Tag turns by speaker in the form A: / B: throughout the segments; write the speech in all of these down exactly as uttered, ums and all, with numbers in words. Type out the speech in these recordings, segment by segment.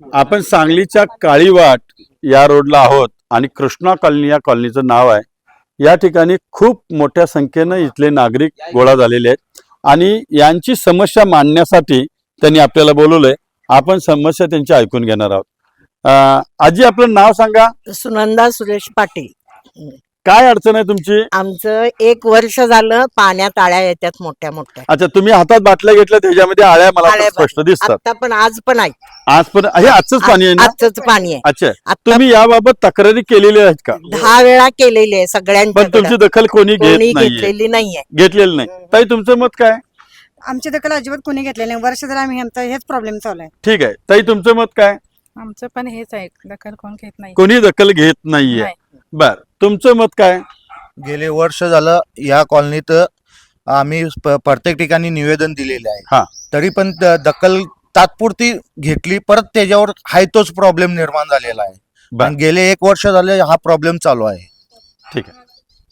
A: आपण सांगलीच्या काळीवाट या रोडला आहोत आणि कृष्णा कॉलनी या कॉलनीचं नाव आहे। या ठिकाणी खूप मोठ्या संख्येने इथले नागरिक गोळा झालेले आहेत आणि यांची समस्या मांडण्यासाठी त्यांनी आपल्याला बोलवलंय। आपण समस्या त्यांची ऐकून घेणार आहोत। अं, आजी आपलं नाव सांगा।
B: सुनंदा सुरेश पाटील।
A: काय अडचण आहे तुमची?
B: आमचं एक वर्ष झालं पाण्यात आळ्या येतात मोठ्या मोठ्या।
A: अच्छा, तुम्ही हातात बाटल्या घेतल्या त्याच्यामध्ये आळ्या मला
B: आळ्या
A: तर स्पष्ट दिसतात।
B: आता पण आज पण आहे,
A: आज पण हे आजच पाणी आहे ना?
B: आजच पाणी आहे।
A: अच्छा,
B: आता
A: तुम्ही याबाबत तक्रारी केलेली आहेत का?
B: दहा वेळा केलेली आहे
A: पण
B: सगळ्यांच्याकडे,
A: तुमची दखल कोणी
B: कोणी
A: घेत नाहीये,
B: घेतलेली नाहीये।
A: घेतलेलं नाही। ताई तुमचं मत काय?
C: आमची दखल अजिबात कोणी घेतले नाही। वर्ष जर आम्ही आमचा हेच प्रॉब्लेम चालू आहे।
A: ठीक आहे ताई, तुमचं मत काय?
D: आमचं पण हेच आहे, दखल कोण घेत नाही।
A: कोणी दखल घेत नाहीये।
D: नाही.
A: बर, तुमचं मत काय?
E: गेले वर्ष झालं या कॉलनीत आम्ही प- प्रत्येक ठिकाणी निवेदन दिलेले
A: हा.
E: आहे, तरी पण द- दखल तात्पुरती घेतली, परत त्याच्यावर हाय तोच प्रॉब्लेम निर्माण झालेला आहे।
A: बर.
E: आणि गेले एक वर्ष झाले हा प्रॉब्लेम चालू आहे।
A: ठीक आहे।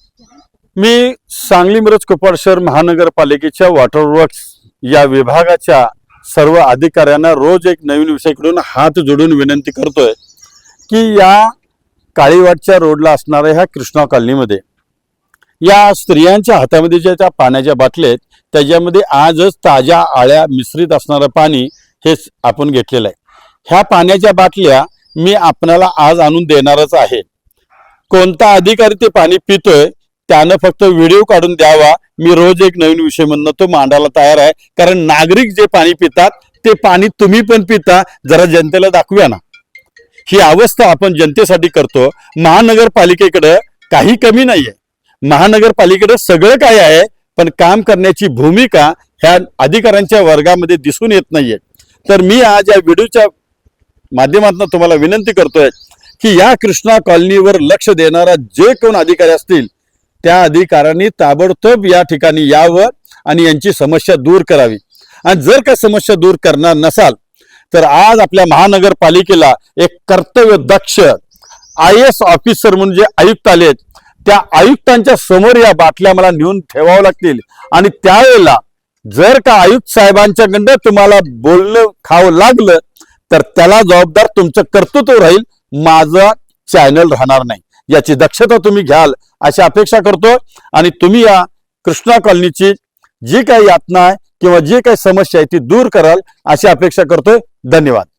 A: मी सांगली मिरज कुपवाड शहर महानगरपालिकेच्या वॉटर वर्क्स या विभागाच्या सर्व अधिकाऱ्यांना रोज एक नवीन विषयाकडून हात जोडून विनंती करतोय की या काळीवाटच्या रोडला असणाऱ्या ह्या कृष्णा कॉलनीमध्ये या स्त्रियांच्या हातामध्ये ज्या त्या पाण्याच्या बाटल्या आहेत त्याच्यामध्ये आजच ताज्या आळ्या मिश्रित असणारं पाणी हेच आपण घेतलेलं आहे। ह्या पाण्याच्या बाटल्या मी आपणाला आज आणून देणारच आहे। कोणता अधिकारी ते पाणी पितोय त्यानं फक्त व्हिडिओ काढून द्यावा। मी रोज एक नवीन विषय म्हणणं तो मांडायला तयार आहे, कारण नागरिक जे पाणी पितात ते पाणी तुम्ही पण पिता, जरा जनतेला दाखवूया ना। ही अवस्था आपण जनतेसाठी करतो। महानगरपालिकेकडे काही कमी नाहीये, महानगरपालिकेकडे सगळं काय आहे, पण काम करण्याची भूमिका ह्या अधिकाऱ्यांच्या वर्गामध्ये दिसून येत नाहीये। तर मी आज या व्हिडिओच्या माध्यमातून तुम्हाला विनंती करतोय की या कृष्णा कॉलनीवर लक्ष देणारा जे कोण अधिकारी असतील त्या अधिकाऱ्यांनी ताबडतोब या ठिकाणी यावं आणि यांची समस्या दूर करावी। आणि जर का समस्या दूर करणार नसाल तर आज आपल्या महानगरपालिकेला एक कर्तव्य दक्ष आय एस ऑफिसर म्हणून जे आयुक्त आलेत त्या आयुक्तांच्या समोर या बाटल्या मला नेऊन ठेवावं लागतील। आणि त्यावेळेला जर का आयुक्त साहेबांच्याकडनं तुम्हाला बोलणं खावं लागलं तर त्याला जबाबदार तुमचं कर्तृत्व राहील, माझा चॅनल राहणार नाही। याची दक्षता तुम्ही घ्याल अशी अपेक्षा करतो। आणि तुम्ही या कृष्णा कॉलनीची जी काही यातना आहे किंवा जी काही समस्या आहे ती दूर कराल अशी अपेक्षा करतोय। धन्यवाद।